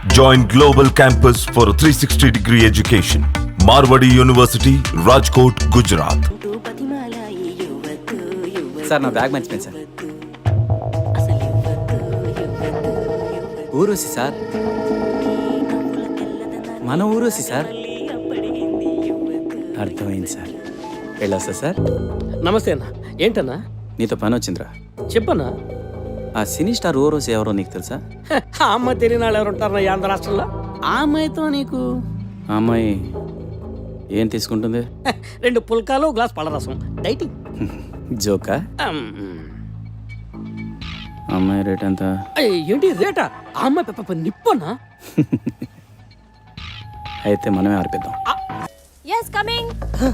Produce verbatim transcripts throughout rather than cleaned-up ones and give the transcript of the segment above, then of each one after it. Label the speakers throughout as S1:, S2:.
S1: Join Global Campus for a three sixty degree education. Marwadi University, Rajkot, Gujarat.
S2: Sir నా bag మర్చిపోయింది sir. ఊరూసి sir, మన ఊరూసి sir. అర్థమైంది సార్. వెళ్ళొస్తా సార్.
S3: నమస్తే అన్న. ఏంటన్నా?
S2: నీతో పని వచ్చిందిరా.
S3: చెప్పన్నా.
S2: ఆ సినీ స్టార్ ఊరూసి ఎవరో నీకు తెలుసా?
S3: ఆ అమ్మాయి తెలియని వాళ్ళు ఎవరు ఉంటారు ఈ ఆంధ్ర రాష్ట్రంలో? ఆ అమ్మాయితో నీకు
S2: ఆ అమ్మాయి ఏం తీసుకుంటుంది?
S3: రెండు పుల్కాలు గ్లాస్ పళ్ళరసం డైటింగ్.
S2: జోకా? అమ్మాయి రేట్ ఎంత?
S3: ఏంటి రేటా? ఆ అమ్మాయి పెప్ప నిప్పనా?
S2: అయితే మనమే ఆర్పిద్దాం.
S4: yes coming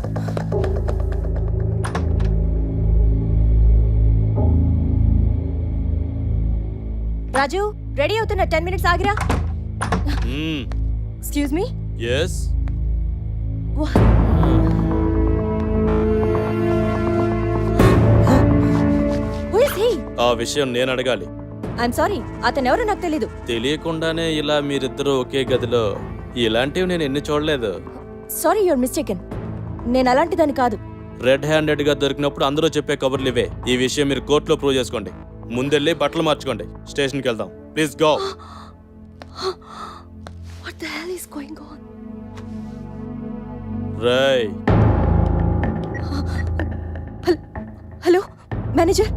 S4: రాజు రెడీ అవుతున్నా. టెన్ మినిట్స్ ఆగిరా. Excuse me.
S5: yes
S4: who is he?
S5: ఆ విషయం నేను అడగాలి.
S4: i'm sorry అతను ఎవరో నాకు తెలీదు.
S5: తెలియకుండానే ఇలా మీరిద్దరూ ఒకే గదిలో ఇలాంటివి నేను ఎన్ని చూడలేదు.
S4: Sorry your mistaken. నేను అలాంటిదని కాదు.
S5: రెడ్ హ్యాండెడ్ గా దొరికినప్పుడు అందరూ చెప్పే కబుర్లు ఇవే. ఈ విషయం మీరు కోర్టులో ప్రూవ్ చేసుకోండి. ముందెళ్ళి బట్టలు మార్చుకోండి. స్టేషన్కి వెళ్దాం. Please go.
S4: what the hell is going on?
S5: రై
S4: hello manager.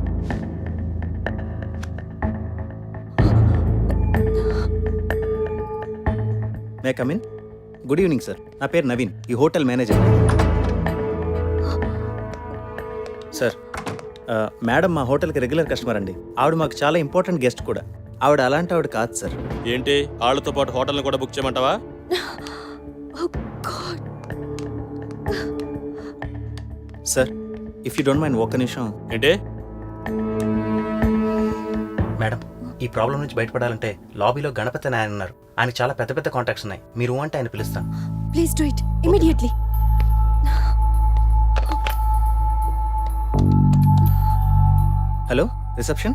S6: May come in. Good evening sir. నా పేరు నవీన్, ఈ హోటల్ మేనేజర్. సార్, మేడం మా హోటల్కి రెగ్యులర్ కస్టమర్ అండి. ఆవిడ మాకు చాలా ఇంపార్టెంట్ గెస్ట్ కూడా. ఆవిడ అలాంటి ఆవిడ కాదు సార్.
S5: ఏంటి వాళ్ళతో పాటు హోటల్ని కూడా బుక్ చేయమంటావా?
S6: Sir, if you don't mind ఒక్క నిమిషం.
S5: ఏంటి?
S6: మేడం, ఈ ప్రాబ్లం నుంచి బయటపడాలంటే లాబీలో గణపతి అని ఆయన ఉన్నారు. ఆయనకు చాలా పెద్ద పెద్ద కాంటాక్ట్స్ ఉన్నాయి. మీరు అంటే ఆయన పిలుస్తాను.
S4: Please do it immediately.
S6: Hello reception.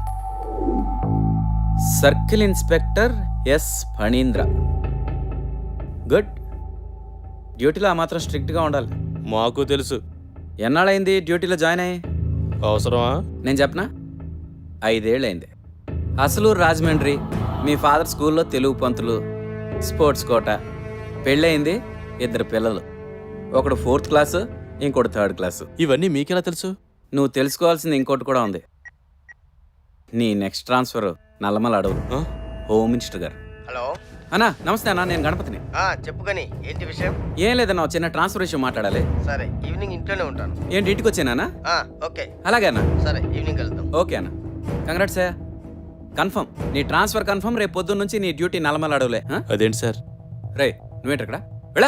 S2: Circle inspector S Phanindra. Good. డ్యూటీలో ఆ మాత్రం స్ట్రిక్ట్గా ఉండాలి.
S5: మాకు తెలుసు.
S2: ఎన్నాళ్ళైంది డ్యూటీలో జాయిన్ అయ్యి?
S5: అవసరమా?
S2: నేను చెప్పనా? ఐదేళ్ళైంది. అసలు రాజమండ్రి. మీ ఫాదర్ స్కూల్లో తెలుగు పంతులు, స్పోర్ట్స్ కోట. పెళ్ళయింది, ఇద్దరు పిల్లలు. ఒకడు ఫోర్త్ క్లాసు, ఇంకోటి థర్డ్ క్లాసు.
S5: ఇవన్నీ మీకెలా తెలుసు?
S2: నువ్వు తెలుసుకోవాల్సింది ఇంకోటి కూడా ఉంది. నీ నెక్స్ట్ ట్రాన్స్ఫర్ నల్లమల అడవు. హోమ్ మినిస్టర్ గారు.
S7: హలో
S2: అన్నా, నమస్తే అన్నా. నేను గణపతిని.
S7: చెప్పు కానీ ఏంటి విషయం?
S2: ఏం లేదన్నా, చిన్న ట్రాన్స్ఫర్ విషయం మాట్లాడాలి.
S7: సరే, ఈవినింగ్ ఇంట్లోనే ఉంటాను.
S2: ఏంటి ఇంటికి వచ్చానా?
S7: ఓకే.
S2: అలాగే అన్నా.
S7: సరే, ఈవినింగ్ వెళ్దాం.
S2: ఓకే అన్న. కంగ్రాట్స్ అయ్యా. కన్ఫర్మ్ నీ ట్రాన్స్ఫర్ కన్ఫర్మ్. రేపు పొద్దున్న నుంచి నీ డ్యూటీ నల్లమల అడవులే.
S5: అదేంటి సార్?
S2: రే, నువ్వేంటి అక్కడ? వెళ్ళా.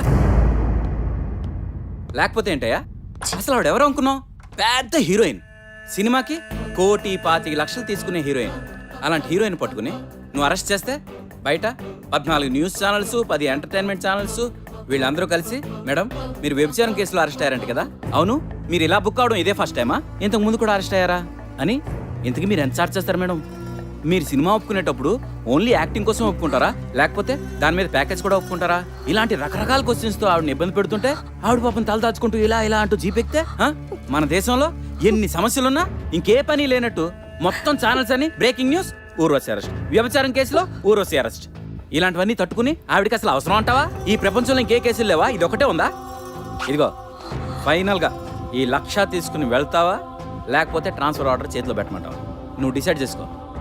S2: లేకపోతే ఏంటయ్యా, అసలు ఆవిడ ఎవరు అనుకున్నావు? పెద్ద హీరోయిన్. సినిమాకి కోటి పాతిక లక్షలు తీసుకునే హీరోయిన్. అలాంటి హీరోయిన్ పట్టుకుని నువ్వు అరెస్ట్ చేస్తే బయట పద్నాలుగు న్యూస్ ఛానల్స్, పది ఎంటర్టైన్మెంట్ ఛానల్స్ వీళ్ళందరూ కలిసి, మేడం మీరు వ్యభిచారం కేసులో అరెస్ట్ అయ్యారంట కదా? అవును, మీరు ఇలా బుక్ అవడం ఇదే ఫస్ట్ టైమా? ఇంతకు ముందు కూడా అరెస్ట్ అయ్యారా అని. ఇంతకు మీరు ఎంత చార్జ్ చేస్తారు మేడం? మీరు సినిమా ఒప్పుకునేటప్పుడు ఓన్లీ యాక్టింగ్ కోసం ఒప్పుకుంటారా, లేకపోతే దాని మీద ప్యాకేజ్ కూడా ఒప్పుకుంటారా? ఇలాంటి రకరకాల క్వశ్చన్స్ తో ఆవిడని ఇబ్బంది పెడుతుంటే ఆవిడ పాపం తల దాచుకుంటూ ఇలా ఇలా అంటూ జీపెక్తే, మన దేశంలో ఎన్ని సమస్యలున్నా ఇంకే పని లేనట్టు మొత్తం ఛానల్స్ అని బ్రేకింగ్ న్యూస్, ఊర్వశి అరెస్ట్, వ్యభిచారం కేసులో ఊర్వశి అరెస్ట్, ఇలాంటివన్నీ తట్టుకుని ఆవిడకి అసలు అవసరం అంటావా? ఈ ప్రపంచంలో ఇంకే కేసులు లేవా? ఇది ఒకటే ఉందా? ఇదిగో ఫైనల్ గా ఈ లక్ష తీసుకుని వెళ్తావా, లేకపోతే ట్రాన్స్ఫర్ ఆర్డర్ చేతిలో పెట్టమంటావా? నువ్వు డిసైడ్ చేసుకో.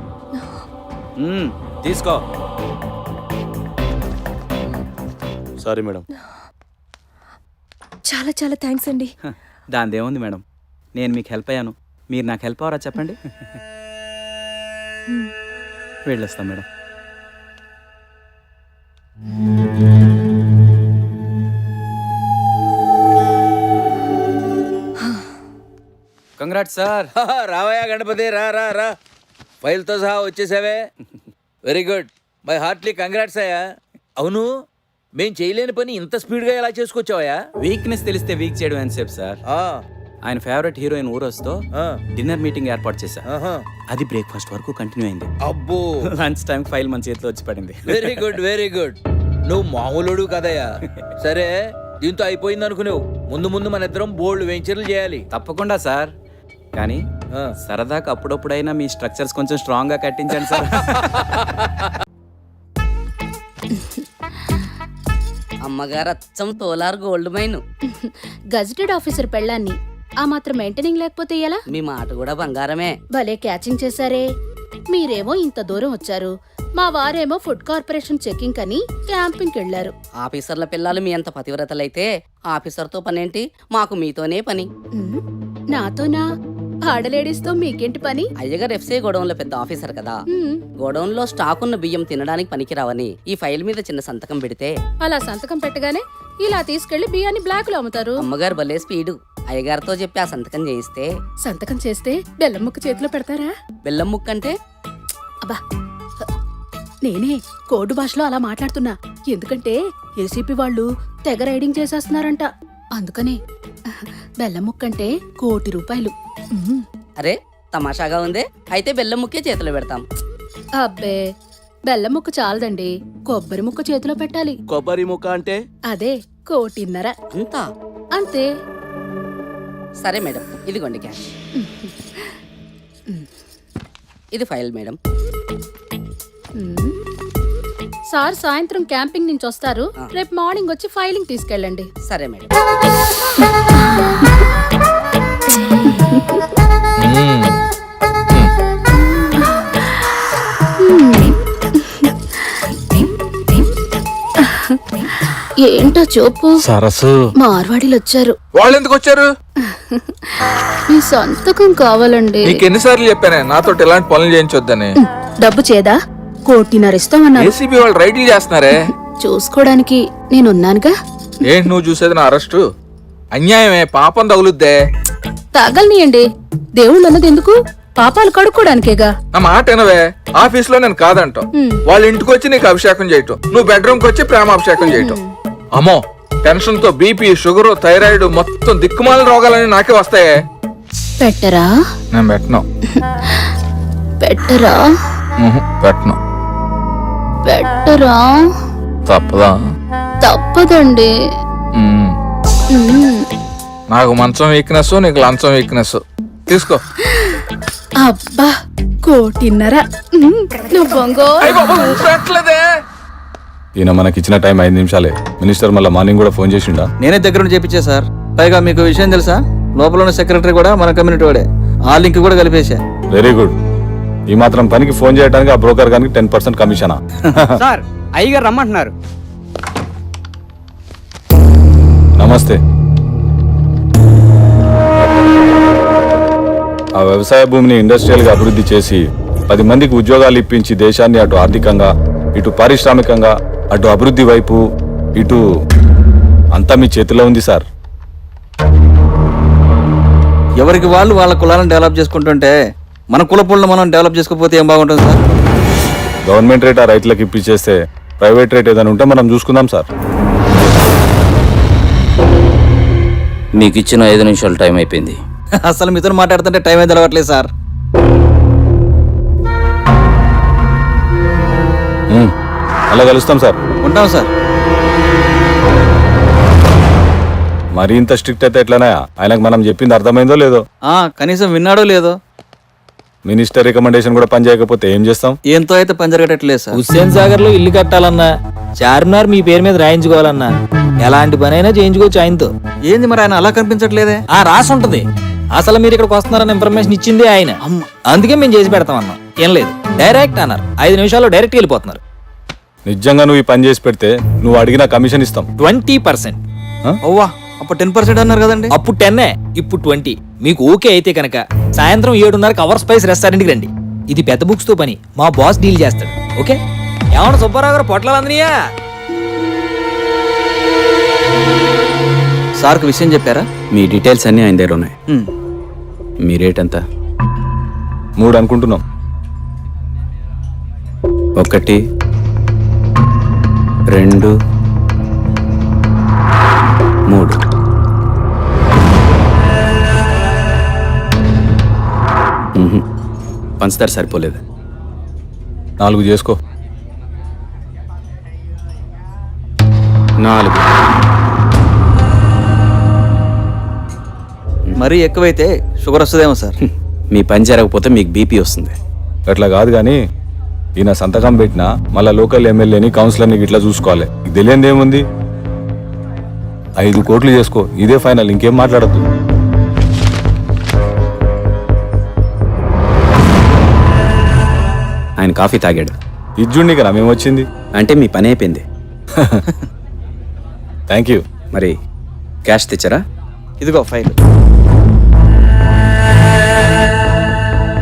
S2: తీసుకో.
S5: Sorry madam.
S4: చాలా చాలా థ్యాంక్స్ అండి.
S2: దానిదేముంది మేడం, నేను మీకు హెల్ప్ అయ్యాను, మీరు నాకు హెల్ప్ అవరా చెప్పండి. వెళ్ళొస్తాం మేడం. Congrats sir.
S8: రావయ్యా గణపతి, రా రా రా ఫైల్తో సహా వచ్చేసావే. Very good, my heartly congrats అయ్యా. అవును, మేం చేయలేని పని ఇంత స్పీడ్గా ఎలా చేసుకొచ్చావయ్యా?
S2: వీక్నెస్ తెలిస్తే వీక్ చేయడం అని చెప్పు సార్. ఆయన ఫేవరెట్ హీరోయిన్ ఊరొస్తో
S8: ఆ,
S2: డిన్నర్ మీటింగ్ ఏర్పాటు చేశా.
S8: ఆహా.
S2: అది బ్రేక్ఫాస్ట్ వరకు కంటిన్యూ అయింది.
S8: అబ్బో
S2: లంచ్ టైం ఫైల్ మన చేతిలో వచ్చి పడింది.
S8: Very good very good. నువ్వు మామూలుడు కదయ్యా. సరే దీంతో అయిపోయింది అనుకునేవు. ముందు ముందు మన ఇద్దరం బోల్డ్ వెంచర్లు చేయాలి.
S2: తప్పకుండా సార్, కానీ
S8: ఆ.
S2: సరదాగా అప్పుడప్పుడైనా మీ స్ట్రక్చర్స్ కొంచెం స్ట్రాంగ్ గా కట్టించండి సార్.
S9: అమ్మగారు అచ్చం తోలార్ గోల్డ్ మైన్.
S4: గజెటెడ్ ఆఫీసర్ పెళ్ళాన్ని ఆ మాత్రం మెయింటైనింగ్ లేకపోతే ఎలా?
S9: మీ మాట కూడా బంగారమే.
S4: భలే క్యాచింగ్ చేశారే. మీరేమో ఇంత దూరం వచ్చారు, మా వారేమో ఫుడ్ కార్పొరేషన్ చెకింగ్ అని క్యాంపింగ్కి వెళ్లారు.
S9: ఆఫీసర్ల పిల్లలు మీ అంత పతివ్రతలైతే ఆఫీసర్తో పనేంటి? మాకు మీతోనే పని.
S4: ఉమ్, నాతోనా? ఆడలేడీస్ తో మీకేంటి పని?
S9: అయ్యగారు ఎఫ్సీ గోడౌన్ లో పెద్ద ఆఫీసర్ కదా.
S4: ఉమ్,
S9: గోడౌన్ లో స్టాక్ ఉన్న బియ్యం తినడానికి పనికిరావని ఈ ఫైల్ మీద చిన్న సంతకం పెడితే
S4: అలా సంతకం పెట్టగానే ఇలా తీసుకెళ్లి బియ్యాన్ని బ్లాక్ లో అమ్ముతారు.
S9: అమ్మగారు భలే స్పీడు. అయ్యగారితో చెప్పి ఆ సంతకం చేయిస్తే
S4: సంతకం చేస్తే బెల్లం ముక్క చేతిలో పెడతారా?
S9: బెల్లం ముక్క అంటే
S4: అబ్బా, నేనే కోడ్ భాషలో అలా మాట్లాడుతున్నా. ఎందుకంటే ఏసీపీ వాళ్ళు తెగ రైడింగ్ చేసేస్తున్నారంట. అందుకనే బెల్లం ముక్కంటే కోటి రూపాయలు. ఉమ్,
S9: అరే తమాషాగా ఉందే. అయితే బెల్లం ముక్కే చేతిలో పెడతాం.
S4: అబ్బే, బెల్లం ముక్క చాలదండి, కొబ్బరి ముక్క చేతిలో పెట్టాలి.
S3: కొబ్బరి ముక్క అంటే
S4: అదే కోటిన్నర.
S9: అంతా
S4: అంతే.
S9: సరే మేడం, ఇదిగోండి క్యాష్. ఇది ఫైల్ మేడం.
S4: ఉమ్. సార్ సాయంత్రం క్యాంపింగ్ నుంచి వస్తారు, రేపు మార్నింగ్ వచ్చి ఫైలింగ్ తీసుకెళ్ళండి.
S9: సరే మేడం.
S4: ఏంటో చూపు.
S6: సరస్సు
S4: మార్వాడీలు వచ్చారు.
S10: వాళ్ళు ఎందుకు వచ్చారు?
S4: మీ సంతకం కావాలండి.
S10: నీకు ఎన్నిసార్లు చెప్పానే నాతో ఎలాంటి పనులు చేయించొద్దని?
S4: డబ్బు చేదా? కోటిన్నర ఇస్తామన్నారు.
S10: ఏసీబీ వాళ్ళు రైడ్లు చేస్తున్నారే.
S4: చూసుకోవడానికి నేనున్నానుగా.
S10: ఏంటి నువ్వు చూసేది నా అరెస్టు? అన్యాయమే, పాపం తగులుద్దే.
S4: తాగలనియండి, దేవుళ్ళు అన్నది ఎందుకు? పాపాలు కడుక్కోడానికేగా.
S10: నా మాట వినవే. ఆఫీస్ లో నేను కాదంటాం, వాళ్ళ ఇంటికి వచ్చి నీకు అభిషేకం చేయటం, నువ్వు బెడ్రూమ్ కి వచ్చి ప్రేమాభిషేకం చేయటం. అమ్మో, టెన్షన్ తో బీపీ, షుగర్, థైరాయిడ్ మొత్తం దిక్కుమాల రోగాలని నాకే వస్తాయే.
S4: పెట్టరా?
S10: నేను పెట్టను.
S4: పెట్టరా?
S10: ఉహు, పెట్టను.
S4: పెట్టరా?
S10: తప్పదా?
S4: తప్పదండి.
S10: ఉమ్.
S4: ఉమ్.
S10: నాకు మంచం వీక్నెస్, నీకు లంచం వీక్నెస్. తీసుకో.
S4: అబ్బా, కోటిన్నర. ఉమ్, నువ్వు బొంగో.
S10: పెట్టలేదే.
S1: ఈయన మనకిచ్చిన టైం ఐదు నిమిషాలే. మినిస్టర్ మళ్ళీ మార్నింగ్ కూడా ఫోన్ చేసిండా?
S6: నేనే దగ్గర నుంచి చెప్పించా సార్. పైగా మీకు విషయం తెలుసా, లోపల ఉన్న సెక్రటరీ కూడా మన కమ్యూనిటీ వాడే. ఆ లింక్ కూడా కలిపేశా.
S1: Very good. ఈ మాత్రం పనికి ఫోన్ చేయడానికి ఆ బ్రోకర్ గానికి టెన్ పర్సెంట్ కమిషనా?
S3: సార్ అయ్యగారు రమ్మంటున్నారు.
S1: నమస్తే. ఆ వ్యవసాయ భూమిని ఇండస్ట్రియల్ గా అభివృద్ధి చేసి పది మందికి ఉద్యోగాలు ఇప్పించి దేశాన్ని అటు ఆర్థికంగా, ఇటు పారిశ్రామికంగా, అటు అభివృద్ధి వైపు, ఇటు అంతా మీ చేతిలో ఉంది సార్.
S6: ఎవరికి వాళ్ళు వాళ్ళ కులాలను డెవలప్ చేసుకుంటుంటే మన కుల పుల్లను మనం డెవలప్ చేసుకోకపోతే ఏం బాగుంటుంది సార్?
S1: గవర్నమెంట్ రేట్ ఆ రైతులకు ఇప్పించేస్తే ప్రైవేట్ రేట్ ఏదైనా ఉంటే మనం చూసుకుందాం సార్.
S2: మీకు ఇచ్చిన ఐదు నిమిషాలు టైం అయిపోయింది.
S6: అసలు మీతో మాట్లాడుతుంటే టైం అయితే తెలవట్లేదు సార్.
S1: ఉమ్, అలా కలుస్తాం సార్.
S6: ఉంటాం సార్.
S1: మరి ఇంత స్ట్రిక్ట్ అయితే ఎట్లనా? ఆయనకు మనం చెప్పింది అర్థమైందో లేదో?
S6: ఆ కనీసం విన్నాడో లేదో?
S1: మినిస్టర్ రికమెండేషన్ కూడా పని చేయకపోతే ఏం చేస్తాం?
S6: ఏంతో అయితే పని జరగట్లేదు సార్.
S11: హుస్సేన్ సాగర్ లో ఇల్లు కట్టాలన్నా, చార్మినార్ మీ పేరు మీద రాయించుకోవాలన్నా ఎలాంటి పని అయినా చేయించుకోవచ్చు ఆయనతో.
S6: ఏంది మరి ఆయన అలా కనిపించట్లేదే?
S11: ఆ రాసి ఉంటది. అసలు మీరు ఇక్కడికి వస్తున్నారన్న ఇన్ఫర్మేషన్ ఇచ్చింది ఆయన. అందుకే మేము చేసి పెడతాం అన్నాం. ఏం లేదు, డైరెక్ట్ అన్నారు. ఐదు నిమిషాల్లో డైరెక్ట్ వెళ్ళిపోతున్నారు.
S1: నిజంగా నువ్వు ఈ పని చేసి పెడితే నువ్వు అడిగిన కమిషన్ ఇస్తాం.
S11: Twenty percent.
S6: ఓవా, అప్పుడు టెన్ పర్సెంట్ అన్నారు కదండి.
S11: అప్పుడు టెన్నే, ఇప్పుడు ట్వంటీ. మీకు ఓకే అయితే కనుక సాయంత్రం ఏడున్నరకు అవర్ స్పైస్ రెస్టారెంట్కి రండి. ఇది పెద్ద బుక్స్ తో పని, మా బాస్ డీల్ చేస్తాడు. ఓకే? ఏమన్నా సుబ్బారావు గారు పొట్లాలు అందనియా?
S6: సార్కు విషయం చెప్పారా?
S2: మీ డీటెయిల్స్ అన్నీ ఆయన దగ్గర ఉన్నాయి.
S6: ఉమ్.
S2: మీ రేట్ ఎంత?
S1: మూడు అనుకుంటున్నాం.
S2: ఒకటి, రెండు, మూడు. పంచదార సరిపోలేదు.
S1: నాలుగు చేసుకో.
S2: నాలుగు.
S6: మరీ ఎక్కువైతే షుగర్ వస్తుందేమో సార్.
S2: మీ పని జరగకపోతే మీకు బీపీ వస్తుంది.
S1: అట్లా కాదు కానీ ఈయన సంతకం పెట్టినా మళ్ళా లోకల్ ఎమ్మెల్యేని కౌన్సిలర్ని ఇట్లా చూసుకోవాలి. ఇది తెలియంది ఏముంది? ఐదు కోట్లు చేసుకో, ఇదే ఫైనల్, ఇంకేం మాట్లాడద్దు.
S2: ఆయన కాఫీ తాగాడు.
S1: ఇజ్జుండి కదా మేమొచ్చింది.
S2: అంటే మీ పని అయిపోయింది.
S1: Thank you.
S2: మరి క్యాష్ తెచ్చారా?
S6: ఇదిగో ఫైల్.